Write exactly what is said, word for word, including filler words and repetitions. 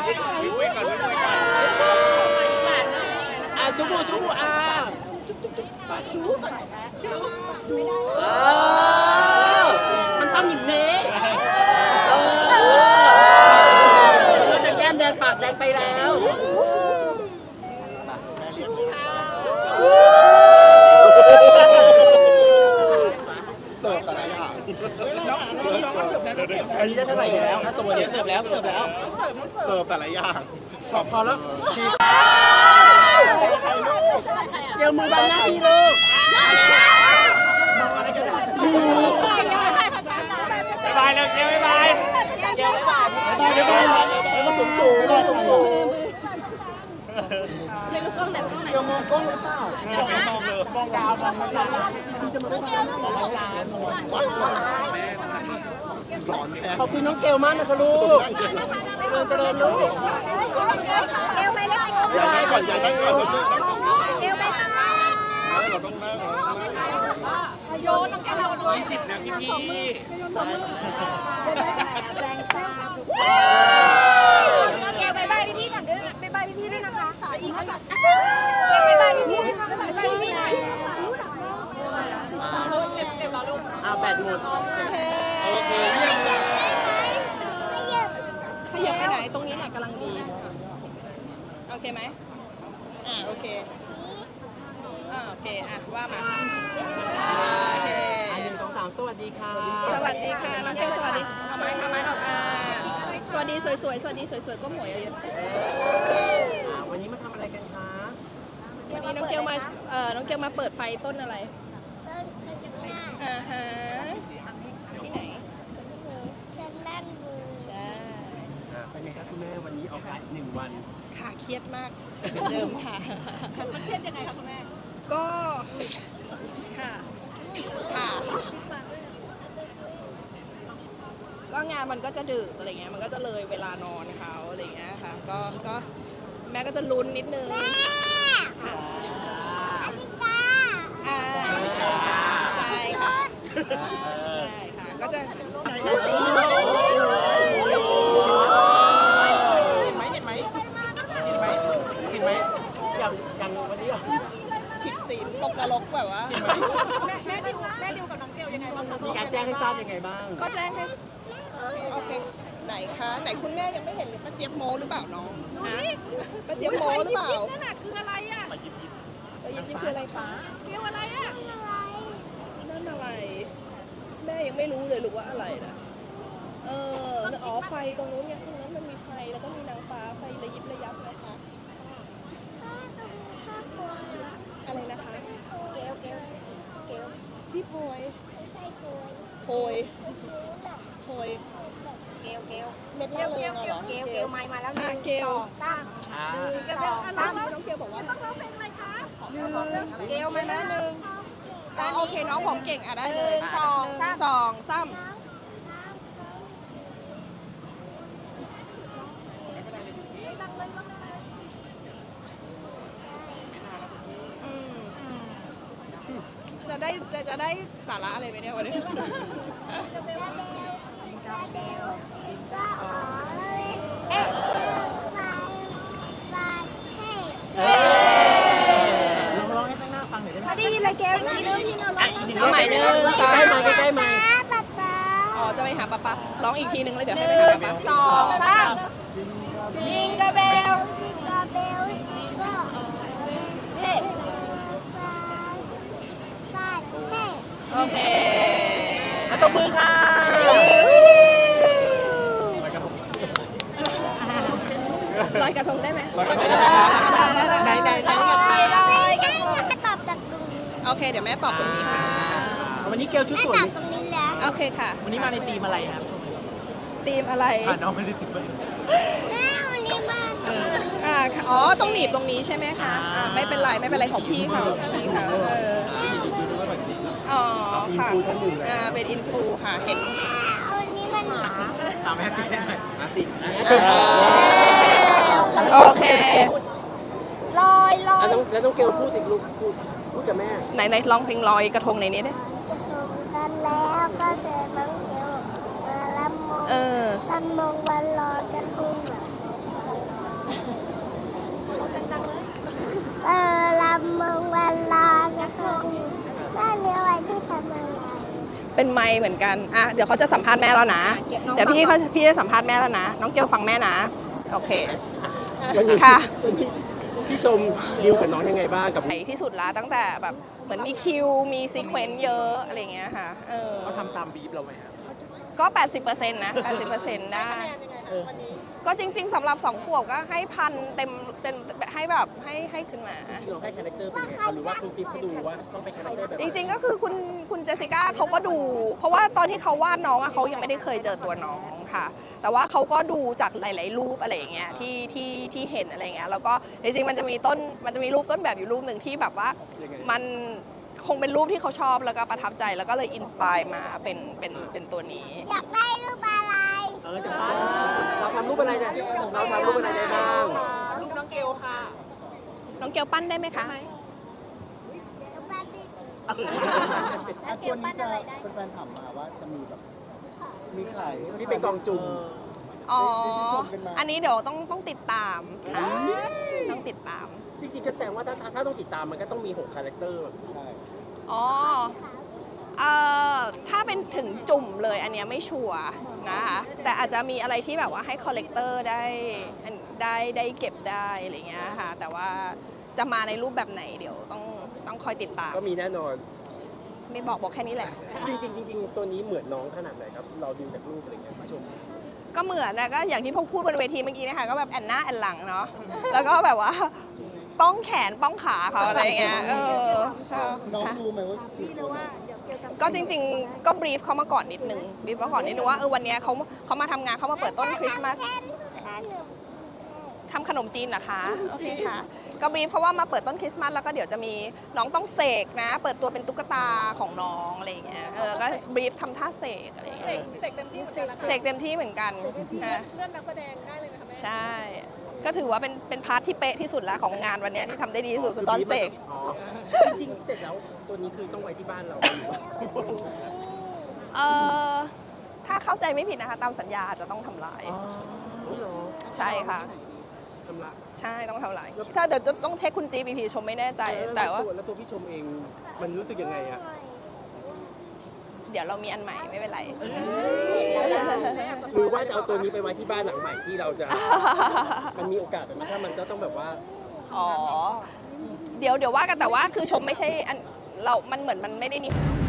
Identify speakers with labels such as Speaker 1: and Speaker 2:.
Speaker 1: คุยก่อนคุยก่อนอ่ะจุ๊บจุ๊บอ่ะจุ๊บจุ๊บจุ๊บจุ๊บเออมันต้องอย่างนี้เราจะแก้มแดงปากแดงไปแล้ว
Speaker 2: เสิร์ฟอะไรอ่ะ
Speaker 1: อันนี้ได้เท่าไหร่แล้วถ้าตัวนี้เสิร์ฟแล้วเสิร์ฟแล้ว
Speaker 2: เสิร์ฟแต่ละอย่างชอบ
Speaker 1: พอแล้วเจลมือบังหน้าพี่ลูกบ๊ายบายเลยเจลบ๊ายบายเจลบ๊ายบายบ๊ายบายแล้วก็สูงสูงเลยสูงสูงเจลมองกล้องหรือเปล่าไม่มองเลยมองดาวมองไม่ได้จะมามองดาวขอบคุณน้องเกลมากนะคะลูกเจริญเจริญลูก
Speaker 3: เกลไปได้
Speaker 2: อย่าได้ก่อนอย่าได้ก่อน
Speaker 3: เกลไปทำไม
Speaker 2: เราต้องนั่ง
Speaker 3: โยนน้องแกเราด้วย
Speaker 1: ยี่สิบนะพี่พี่
Speaker 3: แกบายบายพี่พี่ก่อนด้วยบายบายพี่พี่ด้วยนะคะสายอีกแล้วค่ะแกบายบายพี่พี่นะคะบายบายพี่พี่หน่อย
Speaker 1: อ่าแบตหมดโอเค
Speaker 4: ขยับไปไหนตรงนี้แหละกำลังดีโอเคไหมอ่าโอเคอ่าโอเคอ่ะว่ามาโอเค
Speaker 1: หนึ่งสองสามสวัสดีค่ะ
Speaker 4: สวัสดีค่ะน้องเกลสวัสดีเอาไม้เอาไม้ออกอ่าสวัสดีสวยๆสวัสดีสวยๆก็หมวยเยอะ
Speaker 1: วันนี้มาทำอะไรกันคะ
Speaker 4: วันนี้น้องเกลมาเอ่อน้องเกลมาเปิดไฟต้นอะไร
Speaker 3: ต้นสัญญา
Speaker 4: อ่าฮะที่ไหน
Speaker 3: ฉันนั่นมือ
Speaker 4: ใช่
Speaker 1: เป็นไงครับคุณแม่วันนี้ออกงานหนึ่งวัน
Speaker 4: ค่ะเครียดมากเป็นเดิมค่ะ
Speaker 3: มันเครียดยังไงคะคุณแม่
Speaker 4: ก็ค่ะค่ะก็งานมันก็จะดึกอะไรเงี้ยมันก็จะเลยเวลานอนเขาอะไรเงี้ยค่ะก็ก็แม่ก็จะลุ้นนิดนึงค่ะ
Speaker 3: อลิกา
Speaker 4: อ่าใช่ค่ะใช่ค่ะก็จะ
Speaker 1: อย่างอย่างวันนี้
Speaker 4: ผิดศีลตกนรกแบบว่า
Speaker 3: แม่แม่ดิวแม่ดิวกับน้องเกลยังไงบ้างคะ
Speaker 1: มีการแจ้งให้ทราบยังไงบ้าง
Speaker 4: ก็แจ้งให้โอเคไหนคะไหนคุณแม่ยังไม่เห็นเลยป้าเจี๊ยบโมหรือเปล่าน้องฮะป้าเจี๊ยบโมหรือเปล่า
Speaker 3: นั่นน่ะคืออะไรอ่ะ
Speaker 4: ป้ายิบยิบป้ายิบยิบคืออะไรฟ้า
Speaker 3: เกลอะไรอ่ะ
Speaker 4: นั่นอะไรแม่ยังไม่รู้เลยลูกว่าอะไรนะเอออ๋อไฟตรงนู้นไงตรงนั้นมันมีไฟแล้วก็มีนางฟ้าไฟระยิบระยับนะคะอะไรนะคะ
Speaker 3: เกลเกลเกล
Speaker 4: พี่โพย
Speaker 3: ไม่ใช่โกย
Speaker 4: โพยโพย
Speaker 3: เกลเกล
Speaker 4: เม็ดเล่เลยเหรอ
Speaker 3: เกลเกลไม้มาแล้วหนึ่งสองสาม
Speaker 4: หนึ่งสองสามน้องเกลบอกว่า
Speaker 3: ต้องร้องเพลงอะไรคะ
Speaker 4: หนึ่งเกลไม้มาหนึ่งโอเคน้องผมเก่งอ่ะได้เลย
Speaker 3: สอง
Speaker 4: สองสามจะได้จะได้สาระอะไรไหมเนี่ยวันนี้
Speaker 1: ลองร้องให้ข้างหน้าฟังหน่อยได้ไหม
Speaker 3: พอดีเลยแกวอีกนึงที่เราร้อง
Speaker 4: เอาใหม่หนึ่งสอง
Speaker 1: ใกล้ไหมใกล้ไหม
Speaker 3: ป๊าป๊า
Speaker 4: อ๋อจะไปหาป๊าป๊าร้องอีกทีนึงเลยเดี๋ยวให้ไปหาป๊าป๊า
Speaker 3: สองสามจิงกะเบลจิงกะเบลเฮ้
Speaker 4: โอเค
Speaker 1: ตบมือค่ะ
Speaker 4: ลอยกระทงได้ไหม
Speaker 1: ลอยกระทงได้ไหมไหนไหนไหน
Speaker 3: ลอยลอยกระทงตอบจากตรงนี้
Speaker 4: โอเคเดี๋ยวแม่ตอบตรงนี้ค่ะ
Speaker 1: วันนี้เกลชุดสวย
Speaker 3: ตอบตรงนี้แล้ว
Speaker 4: โอเคค่ะ
Speaker 1: วันนี้มาในธีมอะไรครับ
Speaker 4: ธีมอะไร
Speaker 1: ค่ะน้องไม่ได้ธีม
Speaker 3: แม่วันนี้มา
Speaker 4: อ่าอ๋อต้องหนีบตรงนี้ใช่ไหมคะไม่เป็นไรไม่เป็นไรของพี่เขาพี่เขาอ๋อค่ะอ่าเป็นอินฟูค่ะเห็น
Speaker 3: วันนี้มัน
Speaker 1: ตามแม่ติดได้ไหมติด
Speaker 4: โอเค
Speaker 3: ลอยลอย
Speaker 1: แล้วต้องเกลพูดอีกลูกพูดพูดกับแม่
Speaker 4: ไหนไหนร้องเพลงลอยกระทงในนี้ได้
Speaker 3: กระทงกันแล้วก็เชิญน้องเกลมาลำมงลำมงวันลอยกระทง
Speaker 4: เป็นไมค์เหมือนกันอ่ะเดี๋ยวเขาจะสัมภาษณ์แม่แล้วนะ เดี๋ยวพี่เขาพี่จะสัมภาษณ์แม่แล้วนะ น้องเกลฟังแม่นะ โอเค
Speaker 1: วันนี้
Speaker 4: ค่ะ
Speaker 1: วันนี้พี่ชมดิวกับน้องยังไงบ้างกับ
Speaker 4: ใหญ่ที่สุดละตั้งแต่แบบเหมือนมีคิว มีซีเควนซ์เยอะอะไรอย่างเงี้ยค่ะเออ
Speaker 1: เขาทำตามบีฟเราไหมครับ
Speaker 4: ก็ แปดสิบเปอร์เซ็นต์ นะ แปดสิบเปอร์เซ็นต์ ได้
Speaker 1: เออ
Speaker 4: ก็จริง ๆสำหรับสองขวบก็ให้พันเต็มเต็มให้แบบให้ให้ขึ้นมา
Speaker 1: จริงๆเราให้คาแรคเตอร์เป็นยังไงครับหรือว่าคุณจิ๊บเขาดูว่าต้องเป็นคาแรคเตอร์แบบไห
Speaker 4: จ
Speaker 1: น
Speaker 4: ริงๆก็คือคุณคุณเจสสิก้าเขาก็ดู เพราะว่าตอนที่เขาวาดน้องอะเขายังไม่ได้เคยเจอตัวน้องค่ะ แต่ว่าเขาก็ดูจากหลาย ๆ รูปอะไรอย่างเงี้ยที่ที่ที่เห็นอะไรอย่างเงี้ยแล้วก็จริงๆมันจะมีต้นมันจะมีรูปต้นแบบอยู่รูปหนึ่งที่แบบว่า
Speaker 1: ยังไง
Speaker 4: มันคงเป็นรูปที่เขาชอบแล้วก็ประทับใจแล้วก็เลยอินสปายมาเป็นเป็นเป็นตัวนี้
Speaker 3: อยากได้รูปอะไร
Speaker 1: เออเดี๋ยวเราทำรูปอะไรเนี่ยเราทำรูปอะไรได้บ้าง
Speaker 3: รูปน้องเกลค่ะ
Speaker 4: น้องเกลปั้นได้ไหมคะ
Speaker 3: รูปบ้านพี่
Speaker 5: อ่ะตัวนี้จะเป็นแฟนถามมาว่าจะมีแบบมีขาย
Speaker 1: นี่เป็นกองจุ่ม
Speaker 4: อ๋อ
Speaker 5: ได้ชื่นชมกันมา
Speaker 4: อันนี้เดี๋ยวต้องต้องติดตามค่ะต้องติดตาม
Speaker 1: จริงๆก็แสดงว่าถ้าถ้าถ้าต้องติดตามมันก็ต้องมีหกคาแรคเตอร์
Speaker 5: ใช่
Speaker 4: อ๋อเอ่อถ้าเป็นถึงจุ่มเลยอันเนี้ยไม่ชัวร์นะคะแต่อาจจะมีอะไรที่แบบว่าให้คอลเลกเตอร์ได้ได้ได้เก็บได้อะไรเงี้ยค่ะแต่ว่าจะมาในรูปแบบไหนเดี๋ยวต้องต้องคอยติดตาม
Speaker 1: ก็มีแน่นอน
Speaker 4: ไม่บอกบอกแค่นี้แหละ
Speaker 1: จริงๆจริงๆตัวนี้เหมือนน้องขนาดไหนครับ เราดูจากรูปอะไรเงี้ยผู้ชม
Speaker 4: ก็เหมือนนะก็อย่างที่พวกพูดบนเวทีเมื่อกี้นะคะก็แบบแอนหน้าแอนหลังเนาะแล้วก็แบบว่าป้องแขนป้องขาเขาอะไรเงี้ยเออค่ะ
Speaker 5: น้องรู้ไหมว่าคือตัวไหน
Speaker 4: ก็จริงๆ ก็บรีฟเขามาก่อนนิดนึงบรีฟมาก่อนนิดนึงว่าเออวันเนี้ยเขาเขามาทำงานเขามาเปิดต้นคริสต์มาสทำขนมจีนนะคะโอเคค่ะก็บรีฟเพราะว่ามาเปิดต้นคริสต์มาสแล้วก็เดี๋ยวจะมีน้องต้องเสกนะ เปิดตัวเป็นตุ๊กตาของน้องอะไรอย่างเงี้ยเออก็บรีฟทำท่าเสกอะไรอย่างเงี้ย
Speaker 3: เสกเต็มที่เหมือนกันนะคะ
Speaker 4: เสกเต็มที่เหมือนกันค่ะ
Speaker 3: เลื่อนนักแสดงได้เลยไหมคะแม่
Speaker 4: ใช่ ก็ถือว่าเป็นเป็นพาร์ทที่เป๊ะที่สุดแล้วของงานวันเนี้ยที่ทำได้ดีที่สุดคือตอนเสก
Speaker 1: อ๋อจริงๆเสร็จแล้วตัวนี้คือต้องไว้ที่บ้านเรา
Speaker 4: เออถ้าเข้าใจไม่ผิดนะคะ ตามสัญญาอาจจะต้องทำลาย
Speaker 1: อ๋อเหรอ
Speaker 4: ใช่ค่ะ
Speaker 1: ทำละ
Speaker 4: ใช่ต้องทำลายถ้าเดี๋ยวจะต้องเช็คคุณจีบีทีชมไม่แน่ใจ แต่ว่า
Speaker 1: แล้วตัวพี่ชมเองมันรู้สึกยังไงอะ
Speaker 4: เดี๋ยวเรามีอันใหม่ไม่เป็นไร
Speaker 1: หรือว่าจะเอาตัวนี้ไปไว้ที่บ้านหลังใหม่ที่เราจะ มันมีโอกาสแบบนี้ถ้ามันก็ต้องแบบว่า
Speaker 4: อ๋อ เดี๋ยวเดี๋ยวว่ากันแต่ว่าคือชมไม่ใช่อันเรา มันเหมือนมันไม่ได้มี